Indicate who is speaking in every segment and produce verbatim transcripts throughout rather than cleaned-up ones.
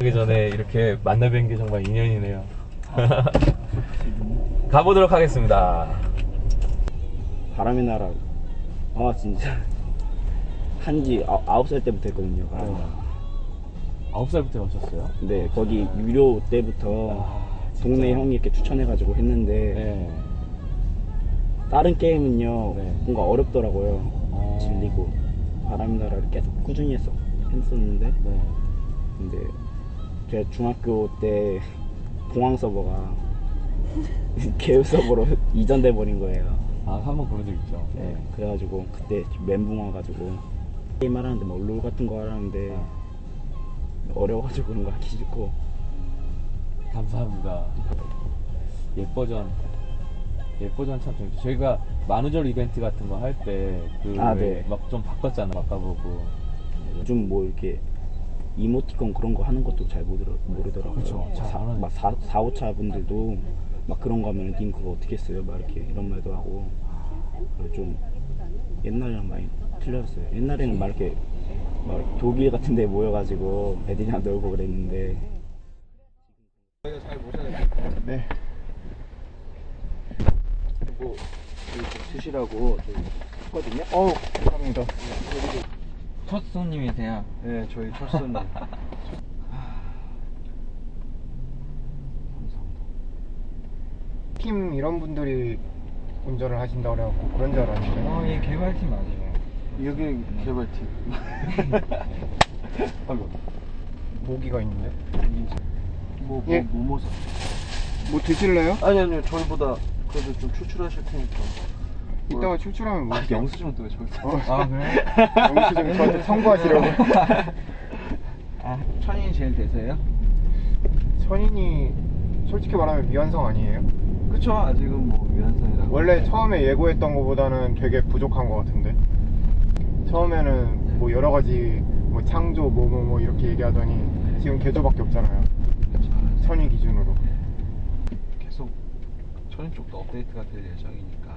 Speaker 1: 하기 전에 이렇게 만나 뵌 게 정말 인연이네요. 가보도록 하겠습니다.
Speaker 2: 바람의 나라. 아 진짜 한지 아홉 살 때부터 했거든요. 바람의 나라.
Speaker 1: 아홉 살부터 하셨어요?
Speaker 2: 네, 거기 유료 때부터
Speaker 1: 아,
Speaker 2: 동네 형이 이렇게 추천해가지고 했는데
Speaker 1: 네.
Speaker 2: 다른 게임은요
Speaker 1: 네.
Speaker 2: 뭔가 어렵더라고요.
Speaker 1: 어...
Speaker 2: 질리고. 바람의 나라를 계속 꾸준히 했어, 했었는데
Speaker 1: 네.
Speaker 2: 근데 제가 중학교 때 공항 서버가 개우 서버로 이전돼 버린 거예요.
Speaker 1: 아, 한번 그런 적 있죠.
Speaker 2: 네, 그래가지고 그때 멘붕 와가지고 게임 하라는데 뭐 롤 같은 거 하라는데
Speaker 1: 아.
Speaker 2: 어려워가지고 그런 거 하기 싫고.
Speaker 1: 감사합니다. 예뻐전 예뻐전 참 재밌죠. 저희가 만우절 이벤트 같은 거 할 때 그
Speaker 2: 아, 네.
Speaker 1: 막 좀 바꿨잖아. 바꿔보고.
Speaker 2: 요즘 뭐 이렇게 이모티콘 그런 거 하는 것도 잘 모르, 모르더라고요.
Speaker 1: 그쵸. 잘
Speaker 2: 사,
Speaker 1: 안 하죠.
Speaker 2: 막 사, 사, 오차 분들도 막 그런 거 하면 님 그거 어떻게 써요? 막 이렇게 이런 말도 하고. 그래서 좀 옛날이랑 많이 틀렸어요. 옛날에는 막 이렇게 막 독일 같은 데 모여가지고 애들이랑 놀고 그랬는데. 네. 그리고 좀 드시라고 했거든요. 어우, 감사합니다.
Speaker 3: 첫 손님이세요?
Speaker 2: 네, 저희 첫 손님.
Speaker 4: 팀 이런 분들이 운전을 하신다고 그래갖고 그런 줄 알았는데.
Speaker 3: 어, 예, 개발팀 맞아요.
Speaker 2: 여기 개발팀. 아이고.
Speaker 4: 모기가 있는데.
Speaker 2: 뭐, 뭐,
Speaker 4: 예.
Speaker 2: 뭐, 뭐, 사-
Speaker 4: 뭐 드실래요?
Speaker 2: 아니, 아니요. 저희보다 그래도 좀 추출하실 테니까.
Speaker 4: 이따가 출출하면 뭐.
Speaker 2: 아, 영수증은 또왜 저기
Speaker 4: 어, 아, 그래? 영수증 저한테 청구하시려고.
Speaker 3: 아, 천인이 제일 되세요?
Speaker 4: 천인이 솔직히 말하면 미완성 아니에요?
Speaker 2: 그쵸. 아직은 뭐, 위안성이라고.
Speaker 4: 원래 처음에 예고했던 것보다는 되게 부족한 것 같은데. 처음에는 뭐 여러 가지 뭐 창조 뭐 뭐 뭐 이렇게 얘기하더니 지금 개조밖에 없잖아요. 천인 기준으로.
Speaker 5: 계속 천인 쪽도 업데이트가 될 예정이니까.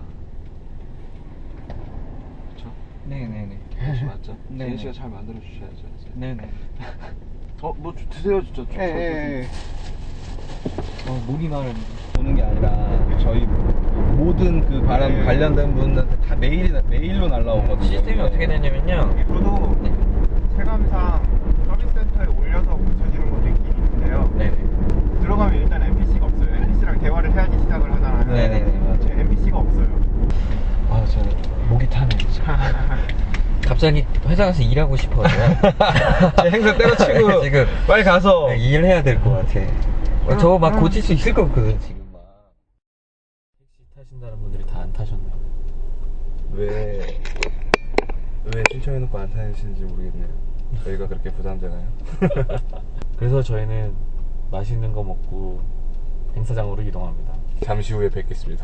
Speaker 5: 그쵸?
Speaker 3: 네네네.
Speaker 5: 그것이 맞죠?
Speaker 3: 네.
Speaker 5: 제인 씨가 잘 만들어 주셔야죠 이제.
Speaker 3: 네네.
Speaker 5: 어, 뭐 주- 드세요 진짜.
Speaker 4: 예, 예, 예.
Speaker 3: 어, 목이 마르네. 오는 게 아니라 저희 모든 그 바람
Speaker 4: 네.
Speaker 3: 관련된 분들한테 다 메일이 메일로 날라오거든요. 시스템이 어떻게 되냐면요.
Speaker 4: 저도
Speaker 3: 네.
Speaker 4: 체감상 서비스 센터에 올려서 고쳐지는 것도 있긴 있는데요.
Speaker 3: 네네.
Speaker 4: 들어가면 일단 엠피씨가 없어요. 엠피씨랑 대화를 해야지 시작을 하잖아요.
Speaker 3: 네네네, 맞아요.
Speaker 4: 엠피씨가 없어요.
Speaker 3: 아, 저는 목이 타네 진짜. 갑자기 회사 가서 일하고 싶어요.
Speaker 1: 행사 때려치고
Speaker 3: 지금
Speaker 1: 빨리 가서
Speaker 3: 일해야 될 것 같아. 어, 저거 막 고칠 수 있을 것 같거든 지금 막.
Speaker 1: 택시 타신다는 분들이 다 안 타셨네요.
Speaker 5: 왜, 왜 신청해놓고 안 타시는지 모르겠네요. 저희가 그렇게 부담되나요?
Speaker 1: 그래서 저희는 맛있는 거 먹고 행사장으로 이동합니다.
Speaker 5: 잠시 후에 뵙겠습니다.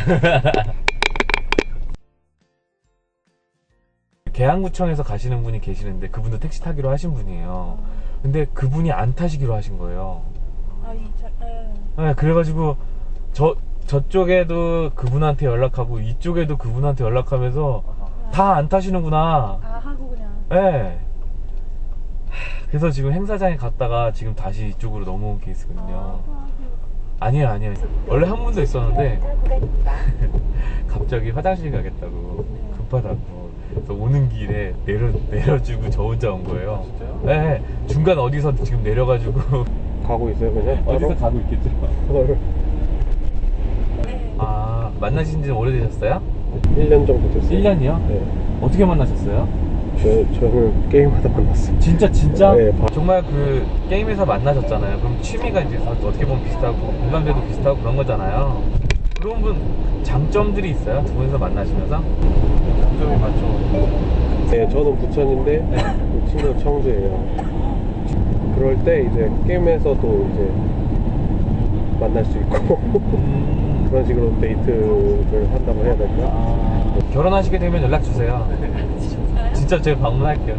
Speaker 1: 계양구청에서 가시는 분이 계시는데 그분도 택시 타기로 하신 분이에요. 근데 그분이 안 타시기로 하신 거예요.
Speaker 6: 아, 이 차, 예.
Speaker 1: 네, 그래가지고 저 저쪽에도 그분한테 연락하고 이쪽에도 그분한테 연락하면서 다 안 타시는구나.
Speaker 6: 아, 하고 그냥.
Speaker 1: 네. 그래서 지금 행사장에 갔다가 지금 다시 이쪽으로 넘어온 케이스거든요. 아니에요, 아니에요. 원래 한 분도 있었는데 갑자기 화장실 가겠다고 급하다고. 그래서 오는 길에 내려 내려주고 저 혼자 온 거예요.
Speaker 5: 진짜요?
Speaker 1: 네. 중간 어디서 지금 내려가지고
Speaker 4: 가고 있어요, 그냥?
Speaker 1: 어디서 가고 있겠죠. 아, 만나신 지 오래되셨어요?
Speaker 4: 일 년 정도 됐어요.
Speaker 1: 일 년이요?
Speaker 4: 네.
Speaker 1: 어떻게 만나셨어요?
Speaker 4: 저, 저는 게임하다 만났어요.
Speaker 1: 진짜 진짜?
Speaker 4: 네, 바-
Speaker 1: 정말 그 게임에서 만나셨잖아요. 그럼 취미가 이제 다 어떻게 보면 비슷하고 공감대도 비슷하고 그런 거잖아요. 그런 분 장점들이 있어요? 두 분이서 만나시면서?
Speaker 5: 장점이 많죠.
Speaker 4: 네, 저는 부천인데 그 친구는 청주예요. 그럴 때 이제 게임에서도 이제 만날 수 있고
Speaker 1: 음...
Speaker 4: 그런 식으로 데이트를 한다고 해야 될까?
Speaker 1: 아... 결혼하시게 되면 연락 주세요. 진짜 제가 방문할게요.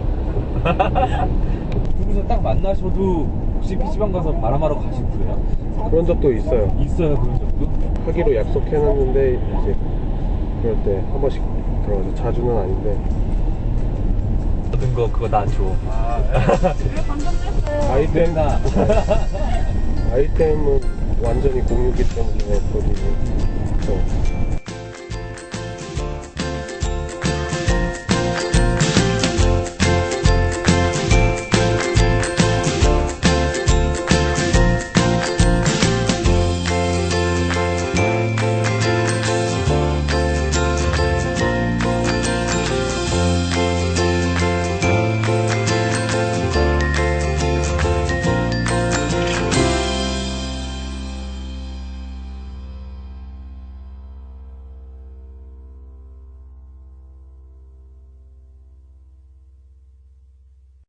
Speaker 1: 두 분이서 딱 만나셔도 혹시 피시방 가서 바람하러 가시고 그래요?
Speaker 4: 그런 적도 있어요.
Speaker 1: 있어요, 그런 적도?
Speaker 4: 하기로 약속해놨는데 이제 그럴 때 한 번씩 들어가서 자주는 아닌데
Speaker 1: 얻은 거 그거 나 줘.
Speaker 6: 그래, 방금 했어.
Speaker 7: 아이템 아이템은 완전히 공유기 때문에 거기 어,